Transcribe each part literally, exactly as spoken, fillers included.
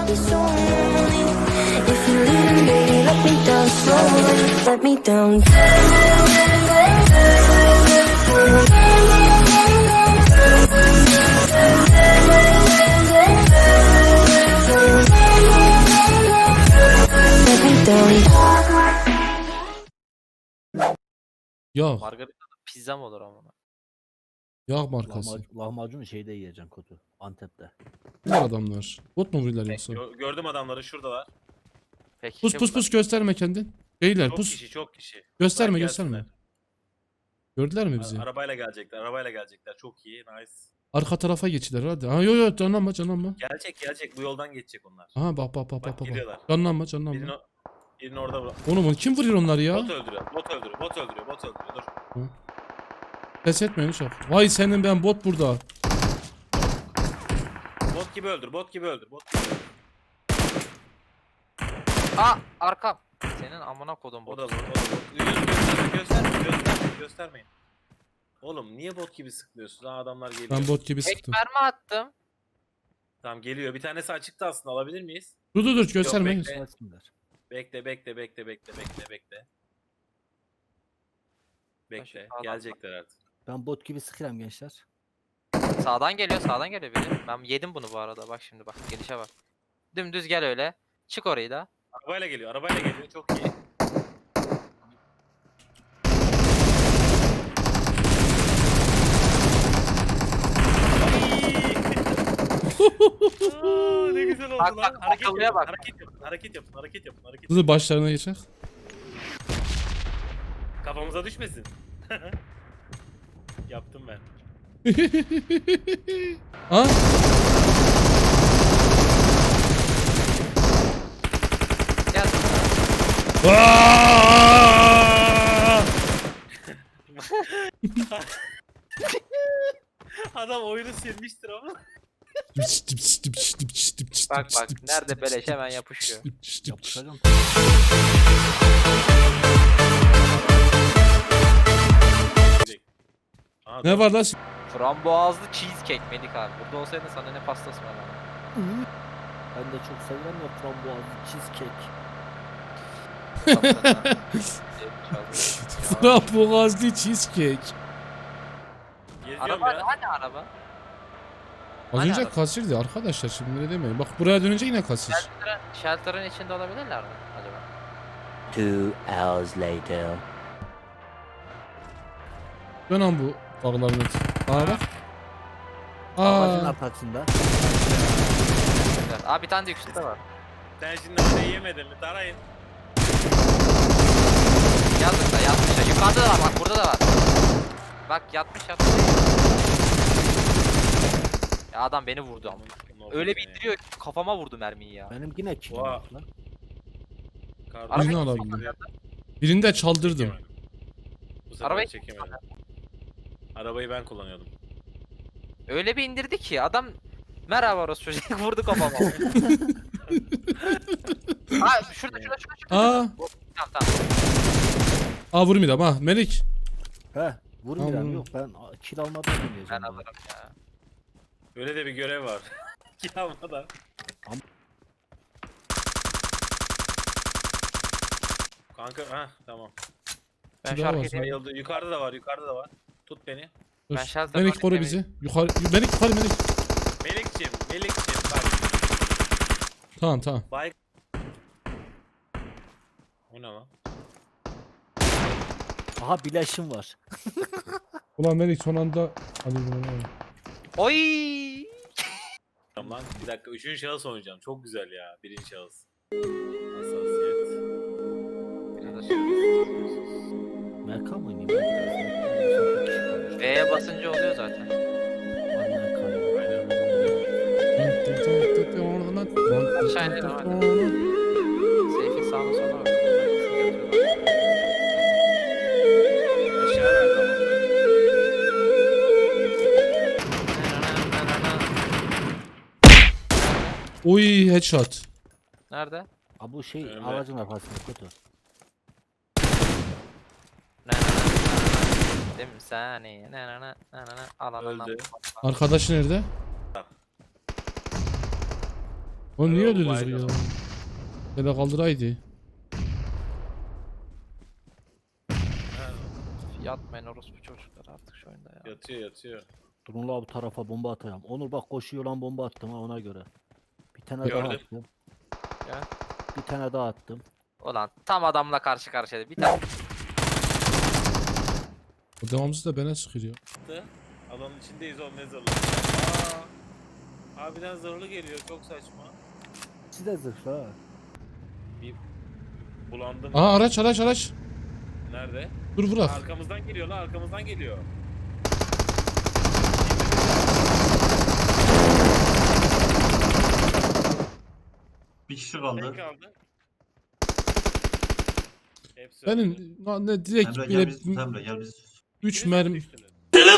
be so lonely. If you're leaving, baby, let me down slowly. Let me down. Let me down. Yağ. Margarita'da pizza mı olur ama? Yağ markası. Lahmacun, lahmacunu şeyde yiyeceksin Kotu. Antep'te. Bunlar adamlar. Bot mu vuruyorlar yoksa? Gö- gördüm adamları şuradalar. Peki. Pus pus pus gösterme kendin. Beyler Çok pus. kişi çok kişi. Gösterme Bırak gösterme. gelsinler. Gördüler mi A- bizi? arabayla gelecekler. Arabayla gelecekler. Çok iyi. Nice. Arka tarafa geçtiler hadi. Ha yo yo canlanma canlanma. Gelecek gelecek. Bu yoldan geçecek onlar. Aha bak bak bak Bak, bak bak. gidiyorlar. Canlanma Birini, canlanma. o- birini orada bırak. Oğlum onu kim vuruyor onları ya? Bot öldürüyor. Bot öldürüyor. Bot öldürüyor. Bot öldürüyor. Dur. Pes etmeyin uşak. Vay senin ben bot burada. Bot gibi öldür. Bot gibi öldür. Bot gibi öldür. Aa arkam. Senin amına kodum O bu. da bot. O da bot. Gösterme. Gösterme. Göstermeyin. Göstermeyin. Oğlum niye bot gibi sıkmıyorsun? Ha adamlar geliyor. Ben bot gibi Tek sıktım. mermi attım. Tamam geliyor. Bir tanesi açıkta aslında. Alabilir miyiz? Dur dur dur gösterme. bekle. Gelsinler. Bekle bekle bekle bekle bekle bekle. Bekle. sağdan Gelecekler artık. Ben bot gibi sıkıyorum gençler. Sağdan geliyor, sağdan geliyor biri. Ben yedim bunu bu arada. Bak şimdi bak. Gelişe bak. Dümdüz gel öyle. Çık orayı da. Arabayla geliyor. Arabayla geliyor. Çok iyi. Aa, ne güzel oldu Bak, lan. bak, Hareket akıllıya yapın, bak. hareket yapın, hareket yapın, hareket yapın, hareket yapın. Hızlı başlarına geçer. Kafamıza düşmesin. Yaptım ben. Ha? Gel. Aa! Adam oyunu silmiştir ama. Bak bak nerede beleş hemen yapışıyor. Yapışacağım. Aha, Ne var lan? Frambuazlı cheesecake Melik abi. Burada olsaydın sana ne pastası var lan. Ben de çok seviyorum ya frambuazlı cheesecake. Frambuazlı cheesecake. Geziyorum Araba ya. hani araba? Az Hani önce araba? kasirdi arkadaşlar şimdi ne demeyin. Bak buraya dönünce yine kasir. Shelter'ın, shelter'ın içinde olabilirler mi acaba? Two hours later. Dön lan bu dağların eti. Aa bak. Ağacın Aa. arkasında. Güzel. Aa bir tane de yüksekte var. Sen şimdi orayı yemedin mi? Tarayın. Yazdık da yatmış da. Yukarıda da var bak burada da var. Bak yatmış yatmış. Ya adam beni vurdu ama. Öyle bir indiriyor ki kafama vurdu mermiyi ya. Benim yine kilim Oha. var lan. Kardeşim, Birini Arabayı alabilirim. Birini de çaldırdım. Bu sefer Arabayı- çekemedim. Arabayı ben kullanıyordum. Öyle bir indirdi ki adam merhaba orası çocuk vurdu kafama. Ha şurada şurada şurada şurada. Aa. Tamam tamam. Aa vurmayacağım ha. Melik. He vurmuyorum Tamam. yok ben a- kill almadan oynayacağım. Ben ya. alırım ya. Öyle de bir görev var. Yağmadan. Am- Kanka ha tamam. Ben Bir daha şarkı var, edeyim. Bayıldı. Yukarıda da var, yukarıda da var. Tut beni. Dur. Ben shelter'dan Melik koru gitmemi- bizi. Yukarı. Melik yukarı Melik. Melikçim, Melikçim bak. Tamam tamam. Bay... O ne lan? Aha bileşim var. Ulan Melik son anda. Hadi bunu. Oy! Tamam lan. Bir dakika. Üçüncü şahıs oynayacağım. Çok güzel ya. Birinci şahıs. Hassasiyet. Merkan mı oynayayım? Ben biraz ya. V'ye basınca oluyor zaten. Aşağı inelim hadi. Seyfi sağına sola bak. Aşağı nerede ama? Oy headshot. Nerede? Ha bu şey Önümde. ağacın arkasında kötü. Değil mi saniye? Ne ne ne ne ne al al al. Öldü. Arkadaş nerede? O niye Yok, öldünüz baydım. ya? Hele kaldıraydı. Ha, Yatmayın orospu çocuklar artık şu oyunda ya. yatıyor yatıyor. Durun la bu tarafa bomba atacağım. Onur bak koşuyor lan bomba attım ha ona göre. Bir tane Gördüm. daha attım. Ya. Bir tane daha attım. Ulan tam adamla karşı karşıya. Bir tane O devamsız da bana sıkıyor. Attı. Alanın içindeyiz oğlum ne zırhlı. Aa, harbiden zırhlı geliyor çok saçma. Siz de zırhlı ha. Bulandım. Aha araç araç araç. Nerede? Dur bırak. Arkamızdan geliyor la arkamızdan geliyor. Bir kişi Tek kaldı. kaldı. Hepsi öldü. Benim na- ne direkt Emre gel bile biz tut Emre gel biz. üç Birisi mermi düştüler.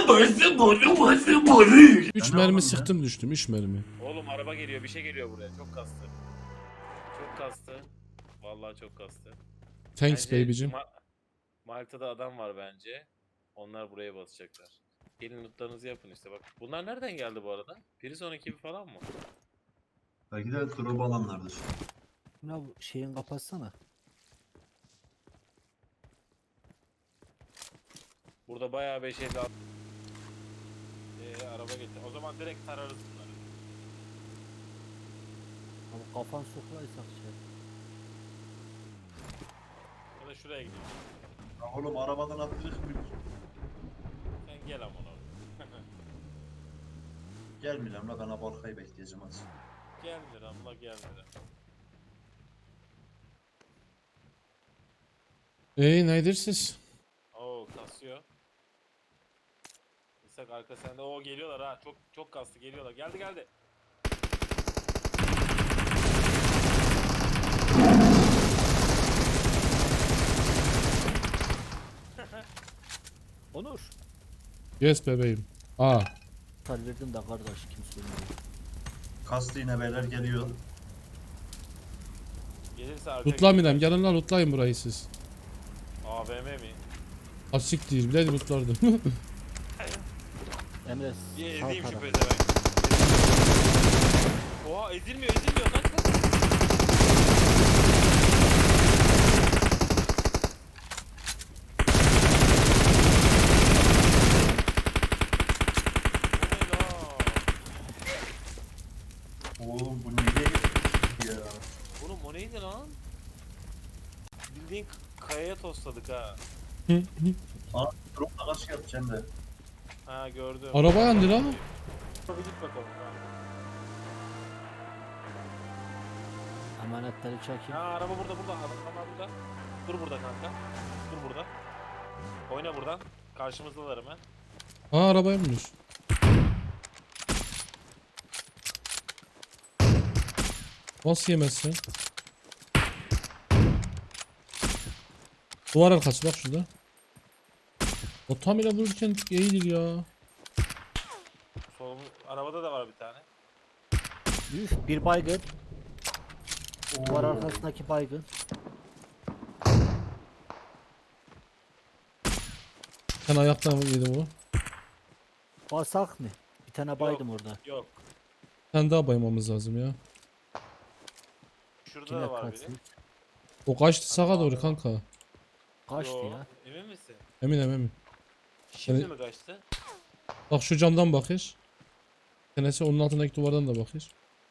üç Ben ne mermi yapalım sıktım düştüm üç mermi. Oğlum araba geliyor bir şey geliyor buraya çok kastı. Çok kastı. Vallahi çok kastı. Thanks Bence baby'cim. Ma- Malta'da adam var bence. Onlar buraya basacaklar. Gelin lootlarınızı yapın işte bak. Bunlar nereden geldi bu arada? Prison ekibi falan mı? Belki de drop alanlardır. Ya bu şeyin kapatsana. Burada bayağı beş elli at- Ee, araba getir. O zaman direkt tararız bunları. Ama kafan soklaysak şey. Ya da şuraya gidelim. Ya oğlum arabadan atlayacak mıyız? Sen gel amına. Gelmeyeceğim la ben abi arkayı bekleyeceğim hadi. Gelmir amla gelmir. Ey neydiriz? Oo kasıyor. İshak arka sende. Oo geliyorlar ha. Çok çok kastı geliyorlar. Geldi geldi. Onur. Yes bebeğim. Aa. Talverdim de kardeş kim söylüyor. Kastı yine beyler geliyor. Gelirse arka Lootlamayalım gelin lan lootlayın burayı siz. A V M mi? Asik değil bir de lootlardım. Emre Bir sağ ezeyim şu taraf. pezevenk. Oha ezilmiyor ezilmiyor kaç kaç. Oh my god. Oğlum bu niye geçti ya? Oğlum o neydi lan? Bildiğin k- kayaya tosladık ha. Drop da kaç yapacağım da. Ha gördüm. Araba yandı lan. Bir git bakalım. Ha. Emanetleri çekeyim. Ha araba burada burada. Araba burada. Dur burada kanka. Dur burada. Oyna buradan. Karşımızdalar hemen. Aa araba yanmış. Nasıl yemezsin? Duvar arkası bak şurada. O tam ile vururken iyidir ya. Solum arabada da var bir tane. Üf, bir baygın. Duvar arkasındaki baygın. Sen ayaktan yedim o. Basak mı? Bir tane baydım orada. Yok. Sen daha baymamız lazım ya. Şurada Kime da var biri. kaçsın? O kaçtı sağa doğru kanka. Kaçtı Yo, ya. Emin misin? Eminim eminim. Şimdi Evet. mi kaçtı? Bak şu camdan bakır. Tenesi onun altındaki duvardan da bakır.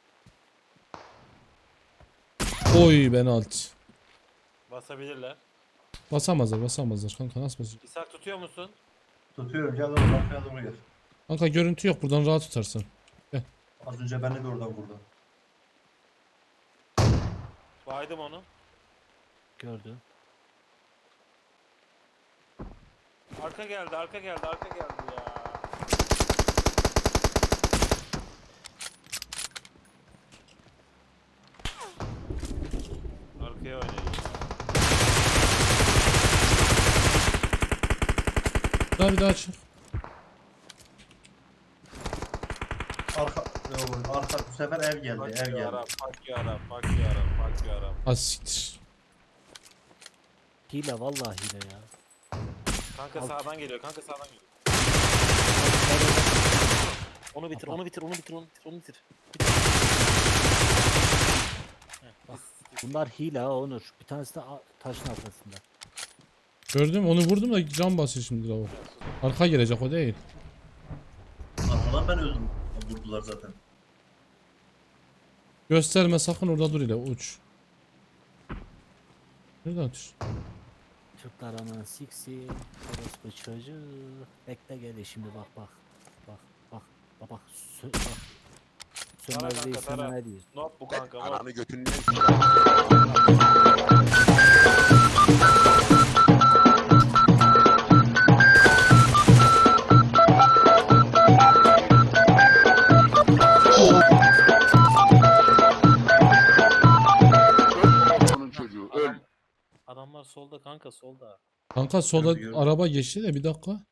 Oy ben alt. Basabilirler. Basamazlar basamazlar kanka nasıl basacak? İshak tutuyor musun? Tutuyorum gel oğlum arkaya doğru gel. Kanka görüntü yok buradan rahat tutarsın. Az önce beni de oradan vurdu. Baydım onu. Gördüm. Arka geldi, arka geldi, arka geldi ya. Arkaya oynayayım. Daha bir daha çık. Arka, Yo, arka bu sefer ev geldi Fuck ev you geldi. Arap, fuck you Arap, fuck you Arap, fuck you Arap. Az siktir. Hile vallahi hile ya. Kanka Alt. sağdan geliyor, kanka sağdan geliyor. Onu bitir, onu bitir, onu bitir, onu bitir, onu bitir. Bitir. Bunlar hile ha Onur. Bir tanesi de a- taşın arkasında. Gördüm onu vurdum da can basıyor şimdi lavuk. Arka gelecek o değil. Arkadan ben öldüm. Vurdular zaten. Gösterme sakın orada dur ile uç. Nereden uç? Türkler aman siksi. Orospu çocuğu. Bekle gel şimdi bak bak. Bak bak. Bak bak. Sö bak. Sönmez kanka, değil tara. sana ne diyor. Not bu kanka. Not. Ananı götünden onun çocuğu öl. Adam, adamlar solda kanka solda. Kanka solda Gördüm. araba geçti de bir dakika.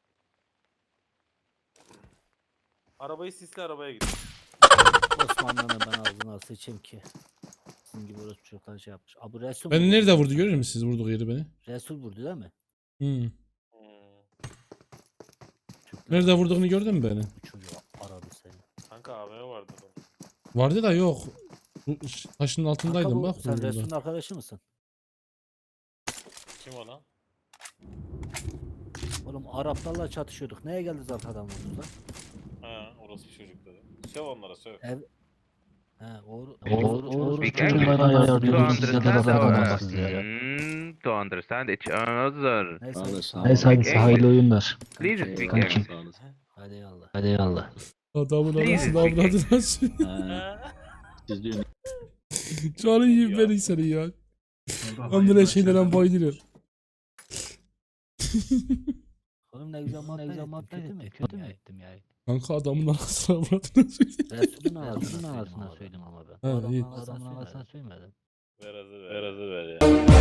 Arabayı sisli arabaya git. Osmanlı'nın ben ağzına sıçayım ki. Sizin gibi orospu çocuklar şey yapmış. Abi Resul Beni vurdu. nerede vurdu görüyor musunuz siz vurduğu yeri beni? Resul vurdu değil mi? Hmm. Hmm. Türkler Nerede vurduğunu gördün mü beni? Bu çocuğu aradı seni. Kanka A V M vardı adam. Vardı da yok. Bu ş- Taşın altındaydım Kanka bu- bak. Sen burada. Resul'ün arkadaşı mısın? Kim o lan? Oğlum Araplarla çatışıyorduk. Neye geldiniz arkadan vurdunuz lan? Ha orası bir çocuk dedi. Söv onlara söv. Ev... He oğru... Oğru- Oğru- We Çok can bana to yardımcı size de understand bana our, adamsınız ya. mm, to understand each other. Neyse. Neyse hadi hayırlı oyunlar. Please speak Kankim. English. Hadi yallah. Hadi eyvallah. Adamın Please anasını speak avradını açıyor. Siz diyorsun. Canı yiyeyim beni seni ya. Ben böyle şeylerden bayılıyorum. Oğlum ne güzel muhabbet ettim. Kötü mü? Kötü mü ettim yani? Kanka adamın anasını avradını açıyor. Resul'ün ağzına söyledim ama ben. Ha, iyi. Adamın ağzına söylemedim. Ver hazır ver. Ver hazır ver ya.